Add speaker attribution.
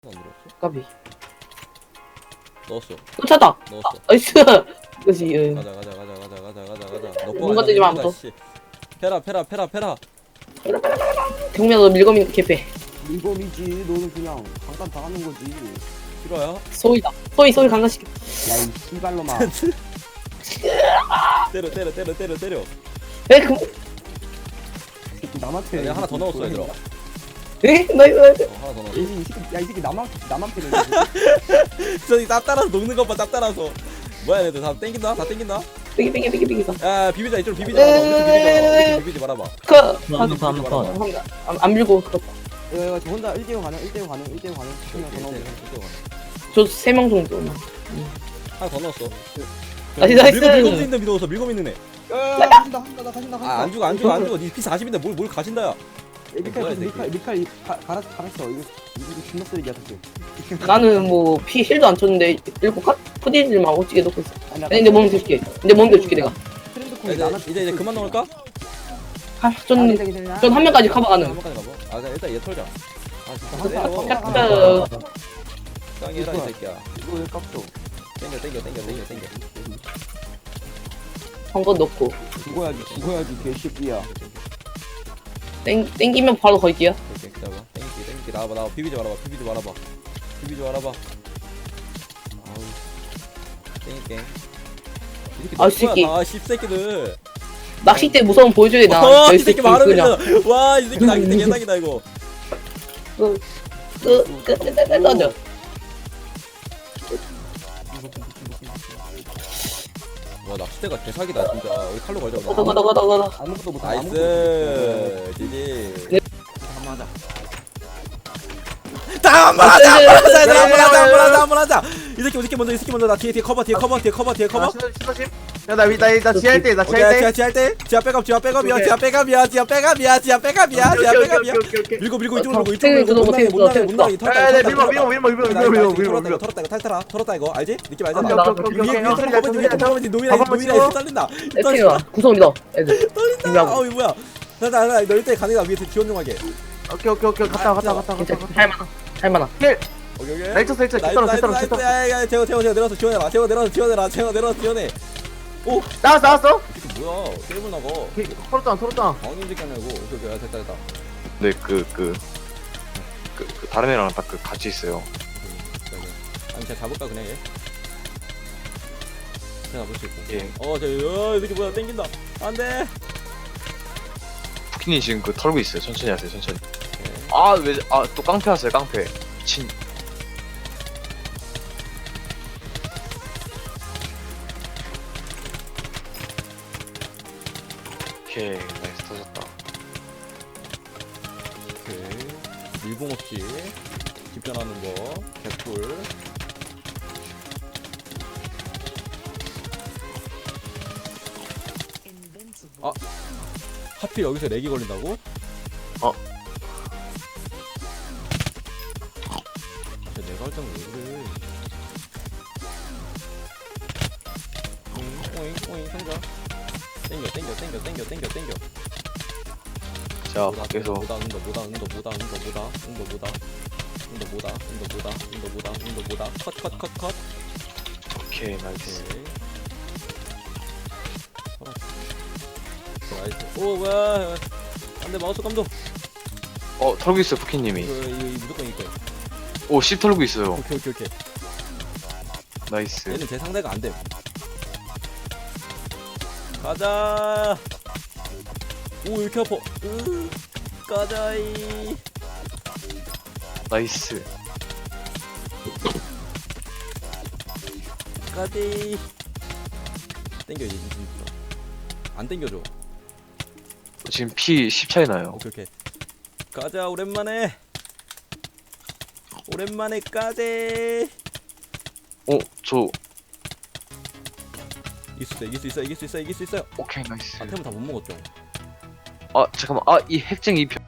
Speaker 1: 안 들어왔어?
Speaker 2: 까비.
Speaker 1: 넣었어.
Speaker 2: 꽂혔다.
Speaker 1: 넣었어.
Speaker 2: 나이스. 그렇지. 예.
Speaker 1: 가자. 넣고
Speaker 2: 뭔가
Speaker 1: 가자,
Speaker 2: 뜨지 마,
Speaker 1: 밀고 가,
Speaker 2: 또.
Speaker 1: 씨. 페라.
Speaker 2: 경미야 너 밀검이니까 개패.
Speaker 3: 이범이지. 너는 그냥 잠깐 당하는 거지.
Speaker 1: 싫어요?
Speaker 2: 소이다. 소이 강간시켜.
Speaker 3: 야이 씨발로마.
Speaker 1: 때려.
Speaker 2: 에? 그...
Speaker 3: 새끼 남한테.
Speaker 1: 내가 하나 더 넣었어, 얘들아.
Speaker 2: 에? 나이스.
Speaker 1: 하나 더 넣었어.
Speaker 3: 이 새끼 야이 새끼 나만 패는.
Speaker 1: 저기 짭 따라서 녹는 것 봐, 짭 따라서. 뭐야, 얘들 다 땡긴다?
Speaker 2: 삐기.
Speaker 1: 야, 비비자, 이쪽으로 비비지 말아봐. 엄청 비비지 말아봐.
Speaker 2: 안 밀고 그렇다.
Speaker 3: 이거 저 혼자 1대0 가능. 1대0 가능. 그냥 더 넣으면 돼.
Speaker 2: 저 3명 정도.
Speaker 1: 하나 더 넣었어.
Speaker 2: 나이스.
Speaker 1: 밀검 있는 애.
Speaker 3: 야 가신다.
Speaker 1: 아, 안 죽어. 니 피 40인데 뭘 가신다야.
Speaker 3: 미칼 갈았어. 이거 존나 쓰레기야 사실.
Speaker 2: 나는 뭐 피 힐도 안 쳤는데 일곱 컷? 푸디질만 오지게 넣고 있어.
Speaker 3: 아니,
Speaker 2: 아니 내 몸 줄게. 내 몸 줄게 내가.
Speaker 3: 트렌드
Speaker 1: 야,
Speaker 3: 콩이
Speaker 1: 이제 그만 넣을까?
Speaker 2: 전 한 명까지 커버 가능.
Speaker 1: 한 번까지 가봐. 아, 그냥 일단 얘 털자. 아, 진짜
Speaker 3: 아,
Speaker 1: 때려.
Speaker 2: 야,
Speaker 1: 짱이라, 이 새끼야.
Speaker 3: 이거 왜 깝죠?
Speaker 1: 땡겨.
Speaker 2: 한거 넣고.
Speaker 3: 죽어야지 개새끼야.
Speaker 2: 땡기면 바로 걸기야.
Speaker 1: 오케이, 기다려봐. 땡기. 나와봐. 비비지 말아봐. 아우. 땡길게.
Speaker 2: 아, 새끼.
Speaker 1: 아, 씹새끼들.
Speaker 2: 낚싯대 무서움 보여줘야 돼, 나.
Speaker 1: 이 새끼 말하면 와, 이 새끼 낚싯대 개사기다, 이거.
Speaker 2: 던져.
Speaker 1: 와, 낚싯대가 개사기다, 진짜. 여기 칼로 걸자.
Speaker 2: 가다.
Speaker 3: 아무것도 못해.
Speaker 1: 나이스. 지지.
Speaker 2: 네.
Speaker 1: 한번 하자. 한번 하자. 이 새끼 먼저. 나 뒤에 커버.
Speaker 4: 나 지할 때,
Speaker 1: 지하 백업이야. 밀고 이쪽으로 못 나가게 털었다 이거 털었다 이거 알지? 느낌 알잖아.
Speaker 4: 오케이.
Speaker 1: 노미라 살린다.
Speaker 2: 에피가 구성이다, 애들.
Speaker 1: 떨린다. 어이 뭐야? 나 이때 가능이다. 위에 지원 좀 하게.
Speaker 4: 오케이. 갔다.
Speaker 2: 괜찮아. 할만하.
Speaker 1: 오케이.
Speaker 4: 렉처, 됐다.
Speaker 1: 야, 재워 내려서 지원해라. 재워 내려서 지원해. 오,
Speaker 4: 나왔어?
Speaker 1: 이게 뭐야? 게임을 나가.
Speaker 4: 털었잖아.
Speaker 1: 방금 새끼 하냐고. 오케이. 됐다.
Speaker 5: 네, 다른 애랑 딱 같이 있어요.
Speaker 1: 아니, 제가 잡을까 그냥 얘? 제가 잡을 수 있고.
Speaker 5: 예.
Speaker 1: 이 새끼 뭐야? 땡긴다. 안 돼.
Speaker 5: 푸키님 지금 털고 있어요. 천천히 하세요, 천천히.
Speaker 1: 오케이.
Speaker 5: 또 깡패 하세요, 깡패. 미친. 오케이, 나이스 터졌다.
Speaker 1: 오케이. 밀봉 없이 집전하는 거. 개꿀. 아, 하필 여기서 렉이 걸린다고? 진짜 내가 할 때는 왜 그래? 오잉 상자. 땡겨.
Speaker 5: 자, 밖에서
Speaker 1: 뭐다. 컷.
Speaker 5: 오케이, 나이스.
Speaker 1: 오케이. 나이스. 오, 뭐야. 안 돼, 마우스 감독.
Speaker 5: 털고 있어요, 푸키님이.
Speaker 1: 이거 무조건 이거.
Speaker 5: 오, 씹 털고 있어요.
Speaker 1: 오케이.
Speaker 5: 나이스.
Speaker 1: 얘는 제 상대가 안 돼. 가자. 오, 이렇게 아파. 가자이.
Speaker 5: 나이스.
Speaker 1: 가지. 땡겨 이제 안 땡겨줘.
Speaker 5: 지금 피 10 차이 나요.
Speaker 1: 오케이. 가자 오랜만에 가재.
Speaker 5: 저,
Speaker 1: 이길 수 있어요.
Speaker 5: 오케이, 나이스.
Speaker 1: 아, 템은 다 못 먹었죠.
Speaker 5: 잠깐만. 이 핵쟁이